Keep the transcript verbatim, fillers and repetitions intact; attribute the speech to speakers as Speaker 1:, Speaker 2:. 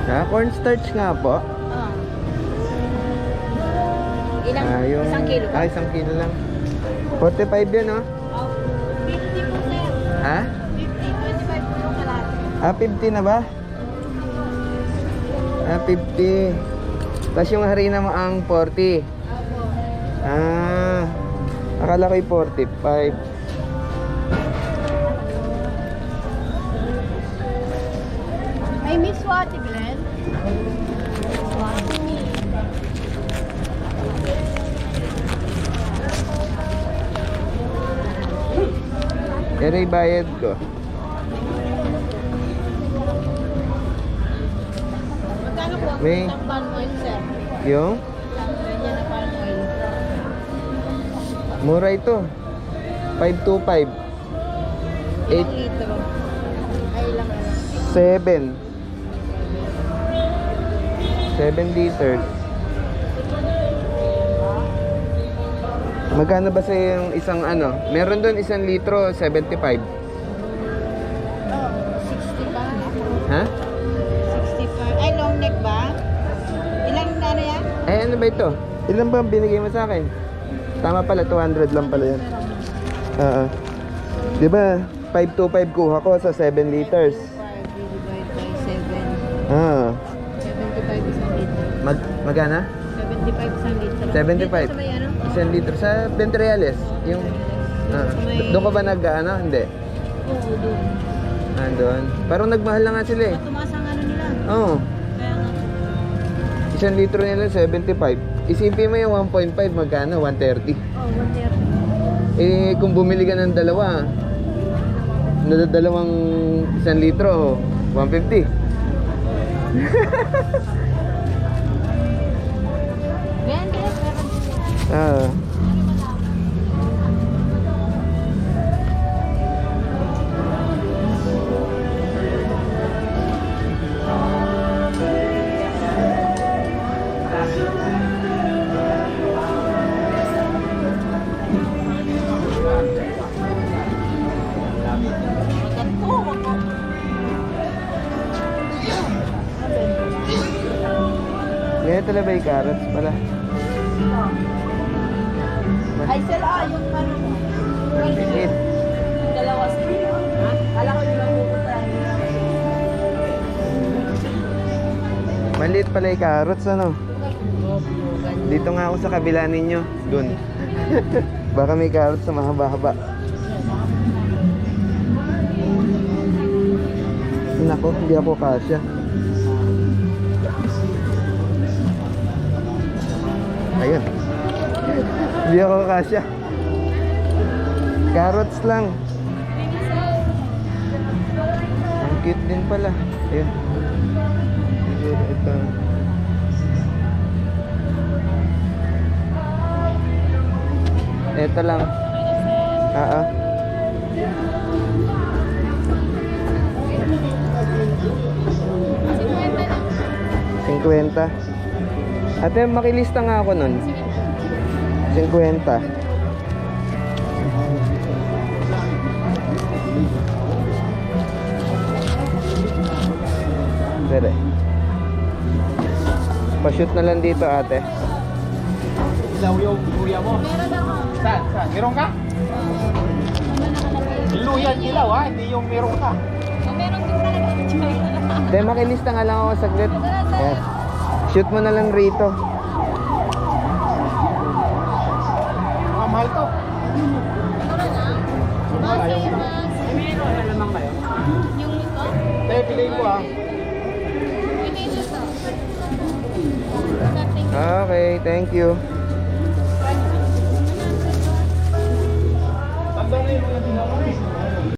Speaker 1: Ah, cornstarch nga po.
Speaker 2: Oo. Ilang?
Speaker 1: Ah, yung...
Speaker 2: Isang kilo ba?
Speaker 1: Ah, isang kilo lang. forty-five yan, oh.
Speaker 2: Oh, fifty po sir.
Speaker 1: Ha?
Speaker 2: fifty, twenty-five po yung kalahati.
Speaker 1: Ah, fifty na ba? Ah, fifty. Tapos yung harina mo ang forty.
Speaker 2: Opo.
Speaker 1: Ah, akala ko'y forty-five.
Speaker 2: May Miss Swati, Glenn. Swati.
Speaker 1: Pero bayad ko.
Speaker 2: Magkano po ang
Speaker 1: May-
Speaker 2: isang palm oil, sir?
Speaker 1: Yung?
Speaker 2: Isang ganyan na palm oil.
Speaker 1: Mura ito. five twenty-five.
Speaker 2: Ilang
Speaker 1: Eight.
Speaker 2: litro? Ay, ilang ano?
Speaker 1: seven. seven liters. Magkano ba sa yung isang ano? Meron doon isang litro, seventy-five.
Speaker 2: Oh, sixty ba?
Speaker 1: Ha?
Speaker 2: sixty-five. Ay, long neck ba? Ilang ano yan?
Speaker 1: Eh, ano ba ito? Ilan ba ang binigay mo sa akin? Tama pala, two hundred lang pala yan. Oo. Di ba, five twenty-five kuha ko sa seven liters.
Speaker 2: five divided by seven.
Speaker 1: Ah.
Speaker 2: seventy-five isang litro.
Speaker 1: Mag, magana?
Speaker 2: seventy-five isang litro.
Speaker 1: seventy-five.
Speaker 2: Dito sa may ano?
Speaker 1: Isang litro sa Ventriales. Yung, ah, doon ka ba nag, ano? Hindi.
Speaker 2: Oo, doon.
Speaker 1: Nandun. Parang nagmahal na nga sila eh.
Speaker 2: Tumaas ang ano nila.
Speaker 1: Oo.
Speaker 2: Kaya nga po.
Speaker 1: Isang litro nila, seventy-five. Isipin mo yung one point five, magkano? one thirty.
Speaker 2: Oh, one thirty.
Speaker 1: Eh, kung bumili ka ng dalawa, nadadalawang isang litro, one fifty.
Speaker 2: Ganyan, ganyan. Meron.
Speaker 1: Ah.
Speaker 2: Maganda. Wag mo.
Speaker 1: Kaya talaga ba yung carrots pala?
Speaker 2: Ay, sila, ah, yung ano mo.
Speaker 1: Maliit.
Speaker 2: Dalawa sila. Ha? Kala ko yung mapupunta.
Speaker 1: Maliit pala yung carrots, ano? Dito nga ako sa kabila ninyo. Dun. Baka may carrots na mahaba-haba. Nako, hindi ako kasya. Ayun. Hindi ako kasya. Carrots lang. Ang cute din pala. Ayun. Siguro ito. Ito lang. Oo. fifty. Ate, makilista nga ako nun. fifty. Dere. Pa-shoot na lang dito, ate.
Speaker 3: Ilaw yung luya mo. Saan? Saan? Meron ka? Luya ilaw ha, hindi yung meron ka.
Speaker 2: Meron din talaga.
Speaker 1: Ate, makilista nga lang ako saglit. Yes. Shoot mo na lang rito.
Speaker 3: Mga mahal to. Mahal ayaw mo.
Speaker 2: Meron na naman kayo. Yung ito?
Speaker 3: Tayo, piliin ko ha.
Speaker 2: Pinito to.
Speaker 1: Okay, thank you.
Speaker 3: Tanda na yung mga tinawag.